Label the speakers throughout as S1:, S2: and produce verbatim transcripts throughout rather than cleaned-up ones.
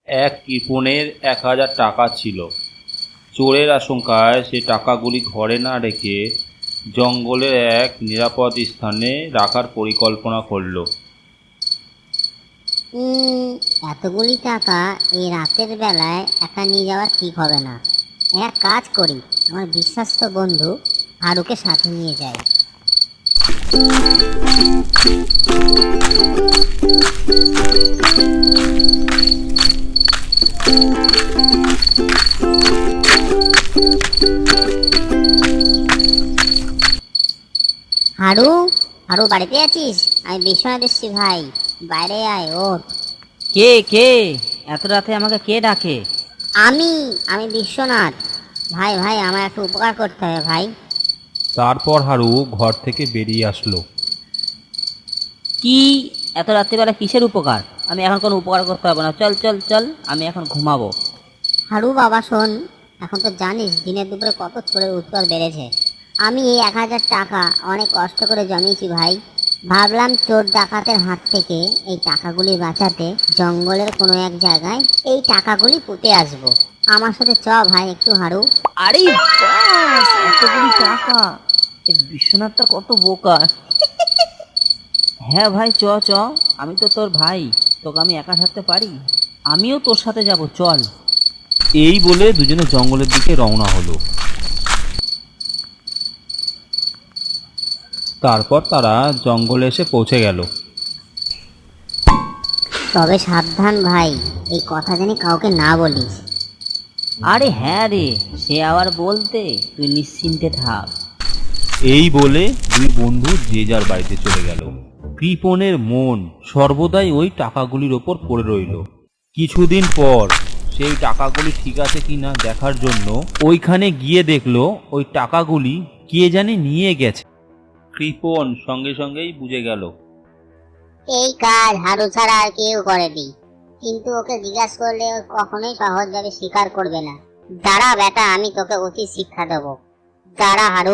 S1: এক কৃপণের এক হাজার টাকা ছিল। চোরের আশঙ্কায় সে টাকাগুলি ঘরে না রেখে জঙ্গলের এক নিরাপদ স্থানে রাখার পরিকল্পনা করল।
S2: উম, এতগুলি টাকা এই রাতের বেলায় একা নিয়ে যাওয়া ঠিক হবে না। এক কাজ করি, আমার বিশ্বাস্ত বন্ধু হারুকে সাথে নিয়ে যাই। হারু, হারু বাড়িতে আছিস? আমি বিশ্বনাথ এসছি ভাই, বাইরে আয় ওঠ।
S3: কে কে এত রাতে আমাকে কে ডাকে?
S2: আমি আমি বিশ্বনাথ। ভাই ভাই আমার একটু উপকার করতে হবে ভাই।
S1: তারপর হারু ঘর থেকে বেরিয়ে আসলো।
S3: কি এত রাত্রিবেলা কিসের উপকার? আমি এখন কোনো উপকার করতে পারবো না, চল চল চল, আমি এখন ঘুমাবো।
S2: হারু বাবা শোন, এখন তো জানিস দিনের দুপুরে কত চোরের উৎপাত বেড়েছে। আমি এই এক হাজার টাকা অনেক কষ্ট করে জমিয়েছি ভাই। ভাবলাম চোর ডাকাতের হাত থেকে এই টাকাগুলি বাঁচাতে জঙ্গলের কোনো এক জায়গায় এই টাকাগুলি পুঁতে আসবো। আমার সাথে চ ভাই একটু হারু।
S3: আরে বাস, এতগুলি টাকা! এ বিশ্বনাথটা কত বোকা! হ্যাঁ ভাই, চ চ, আমি তো তোর ভাই, তোকে আমি একা থাকতে পারি? আমিও তোর সাথে যাব, চল।
S1: এই বলে দুজনে জঙ্গলের দিকে রওনা হলো। তারপর তারা জঙ্গলে এসে পৌঁছে গেল।
S2: তবে সাবধান ভাই, এই কথা জানি কাউকে না বলিস।
S3: আরে হ্যাঁ রে, সে আবার বলতে, তুই নিশ্চিন্তে থাক।
S1: এই বলে দুই বন্ধু যে যার বাড়িতে চলে গেল। কৃপণের মন সর্বদাই ওই টাকাগুলির ওপর পড়ে রইল। কিছুদিন পর সেই টাকাগুলি ঠিক আছে কিনা দেখার জন্য ওইখানে গিয়ে দেখলো ওই টাকাগুলি কে জানি নিয়ে গেছে। কৃপণ সঙ্গে সঙ্গেই বুঝে গেল।
S2: এই কাজ হারু ছাড়া আর কেউ করেনি, কিন্তু ওকে জিজ্ঞাসা করলে ও কখনোই সহজভাবে স্বীকার করবে না। দাঁড়া বেটা, আমি তোকে উচিত শিক্ষা দেবো। দাঁড়া হারু।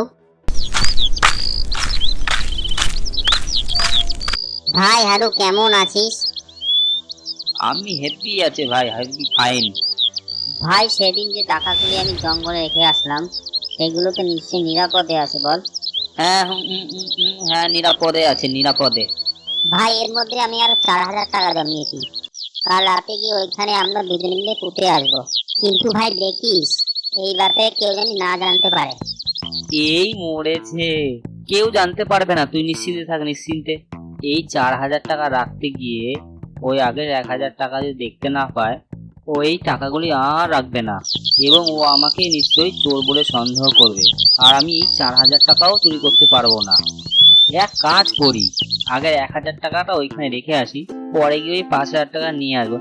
S2: ভাই হারু, কেমন আছিস?
S3: আমি হ্যাপি আছে ভাই, হ্যাপি ফাইন।
S2: ভাই সেদিন যে টাকাগুলি আমি জঙ্গলে রেখে আসলাম, সেগুলো তো নিশ্চয়ই নিরাপদে আছে বল?
S3: হ্যাঁ হুম, হুম, হুম, হুম, হ্যাঁ নিরাপদে আছে, নিরাপদে।
S2: ভাই এর মধ্যে আমি আর চার হাজার টাকা জমিয়েছি। কাল রাতে গিয়ে ওইখানে আমরা দুজনে মিলে পুঁতে আসবো। কিন্তু ভাই দেখিস, এই ব্যাপারে কেউ যেন না জানতে পারে।
S3: এই মরেছে, কেউ জানতে পারবে না, তুই নিশ্চিন্তে থাক, নিশ্চিন্তে। এই চার হাজার টাকা রাখতে গিয়ে ওই আগের এক হাজার টাকা যদি দেখতে না পায়, ও এই টাকাগুলি আর রাখবে না, এবং ও আমাকে নিশ্চয়ই চোর বলে সন্দেহ করবে, আর আমি এই চার হাজার টাকাও চুরি করতে পারবো না। এক কাজ করি, আগের এক হাজার টাকাটা ওইখানে রেখে আসি, পরে গিয়ে ওই পাঁচ হাজার টাকা নিয়ে আসবো।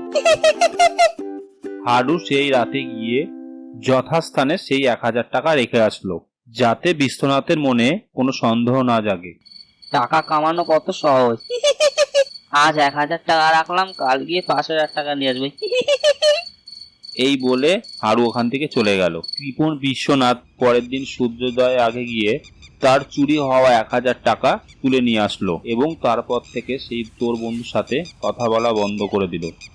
S1: হারু সেই রাতে গিয়ে যথাস্থানে সেই এক হাজার টাকা রেখে আসলো, যাতে বিশ্বনাথের মনে কোনো সন্দেহ না জাগে।
S3: টাকা কামানো কত সহজ! আজ এক হাজার টাকা রাখলাম, কাল গিয়ে পাঁচ হাজার টাকা নিয়ে আসবো।
S1: এই বলে হারু ওখান থেকে চলে গেল। কৃপণ বিশ্বনাথ পরের দিন সূর্যোদয়ের আগে গিয়ে তার চুরি হওয়া এক হাজার টাকা তুলে নিয়ে আসলো, এবং তারপর থেকে সেই চোর বন্ধুর সাথে কথা বলা বন্ধ করে দিল।